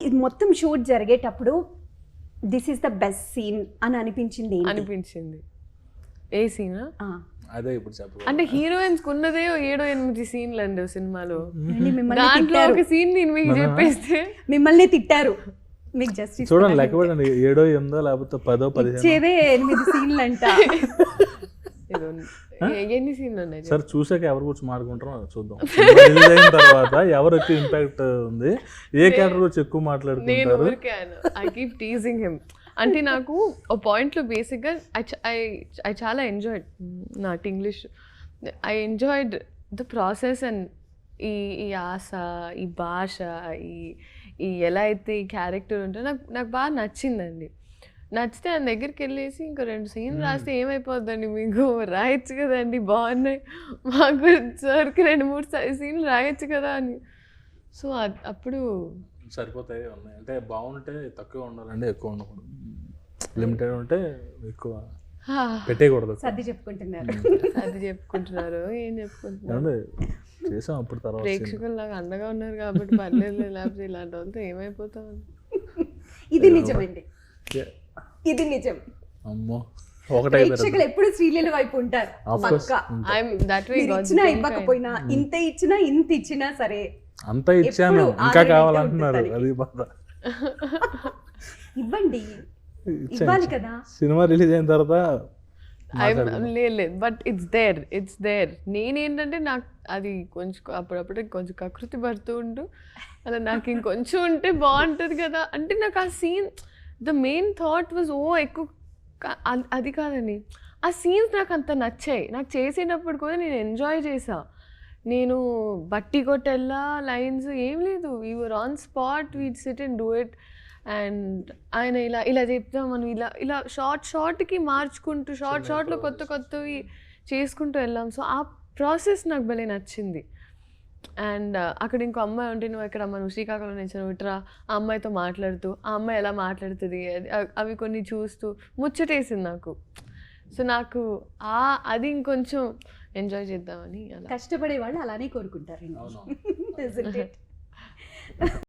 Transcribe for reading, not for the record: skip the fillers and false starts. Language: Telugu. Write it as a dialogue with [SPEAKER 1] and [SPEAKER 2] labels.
[SPEAKER 1] ఇది మొత్తం షూట్ జరిగేటప్పుడు this is the best scene అని అనిపించింది
[SPEAKER 2] అనిపించింది. ఏ సీనా?
[SPEAKER 3] అదే ఇప్పుడు చెప్పు.
[SPEAKER 2] అంటే హీరోయిన్స్ ఉన్నదే 7-8 సీన్లు అండి సినిమాలో.
[SPEAKER 1] మిమ్మల్ని
[SPEAKER 2] దాంట్లో
[SPEAKER 1] తిట్టారు,
[SPEAKER 2] ఒక సీన్ నేను మీకు చెప్పేస్తే
[SPEAKER 1] మిమ్మల్ని తిట్టారు. మీకు జస్టిస్
[SPEAKER 3] చూడండి లెక్క పెట్టండి, 7, 8 లేకపోతే 10, 15.
[SPEAKER 1] ఇచ్చేదే 8 సీన్లు అంట.
[SPEAKER 2] ఎన్ని సీన్లు ఉన్నాయి?
[SPEAKER 3] సరే చూసాక ఎవరి గురించి మాట్లాడుకుంటారో చూద్దాం. రిలీజ్ అయిన తర్వాత ఎవరు ఎక్కువ ఇంపాక్ట్ ఉంది, ఏ క్యారెక్టర్ గురించి ఎక్కువ
[SPEAKER 2] నేను
[SPEAKER 3] మాట్లాడుకుంటారు.
[SPEAKER 2] ఊరికే ఐ కీప్ టీజింగ్ హిమ్. అంటే నాకు ఒక పాయింట్లో బేసిక్గా ఐ చాలా ఎంజాయ్డ్ నాకు English. I enjoyed the process and ఈ ఆశ, ఈ భాష, ఈ ఎలా అయితే ఈ క్యారెక్టర్ ఉంటుందో నాకు బాగా నచ్చిందండి. నచ్చితే ఆయన దగ్గరికి వెళ్ళేసి ఇంకో 2 సీన్లు రాస్తే ఏమైపోద్దండి, మీకు రాయొచ్చు కదండి, బాగున్నాయి, మాకు సార్కి 2-3 సీన్లు రాయొచ్చు కదా అని. సో అప్పుడు
[SPEAKER 3] సరిపోతాయి ఉన్నాయి అంటే బాగుంటే తక్కువ ఉండాలండి, ఎక్కువ ఉండకూడదు. లిమిటెడ్ ఉంటే ఎక్కువ పెట్టేయకూడదు.
[SPEAKER 1] సర్ది చెప్పుకుంటున్నారు,
[SPEAKER 2] అది చెప్పుకుంటున్నారు, ఏం చెప్పుకుంటున్నారు.
[SPEAKER 3] చేసాం అప్పుడు తర్వాత
[SPEAKER 2] ప్రేక్షకులు నాకు అండగా ఉన్నారు కాబట్టి పర్లేదు, లేకపోతే ఇలాంటి వాళ్ళతో ఏమైపోతాం.
[SPEAKER 1] ఇది నిజమండి, ఇది నిజం.
[SPEAKER 3] అమ్మో
[SPEAKER 1] ప్రేక్షకులు ఎప్పుడు శ్రీలీల వైపు ఉంటారు. ఇచ్చినా ఇవ్వకపోయినా, ఇంత ఇచ్చినా ఇంత ఇచ్చినా సరే
[SPEAKER 3] అంత ఇచ్చాను ఇంకా కావాలంటున్నారు, అది బాధ.
[SPEAKER 1] ఇవ్వండి, ఇవ్వాలి కదా.
[SPEAKER 3] సినిమా రిలీజ్ అయిన తర్వాత
[SPEAKER 2] లేదు, బట్ ఇట్స్ దేర్. నేనేంటంటే నాకు అది కొంచెం అప్పుడప్పుడు కొంచెం కకృతి పడుతూ ఉంటూ అలా నాకు ఇంకొంచెం ఉంటే బాగుంటుంది కదా. అంటే నాకు ఆ scene the main thought was ఎక్కువ అది కాదండి, ఆ సీన్స్ నాకు అంత నచ్చాయి. నాకు చేసేటప్పుడు కూడా నేను ఎంజాయ్ చేసా. నేను బట్టి కొట్టెల్లా లైన్స్ ఏం లేదు, we were on spot, we sit and do it. And ఆయన ఇలా చెప్తాం, మనం ఇలా షార్ట్కి మార్చుకుంటూ షార్ట్లో కొత్తవి చేసుకుంటూ వెళ్ళాం. సో ఆ ప్రాసెస్ నాకు భలే నచ్చింది. అండ్ అక్కడ ఇంకో అమ్మాయి ఉంటే, నువ్వు ఇక్కడ నువ్వు శ్రీకాకుళం నుంచి నువ్వు ఇట్రా, ఆ అమ్మాయితో మాట్లాడుతూ ఆ అమ్మాయి ఎలా మాట్లాడుతుంది అవి కొన్ని చూస్తూ ముచ్చటేసింది నాకు. సో నాకు అది ఇంకొంచెం ఎంజాయ్ చేద్దామని. అలా
[SPEAKER 1] కష్టపడే వాళ్ళు అలానే కోరుకుంటారు.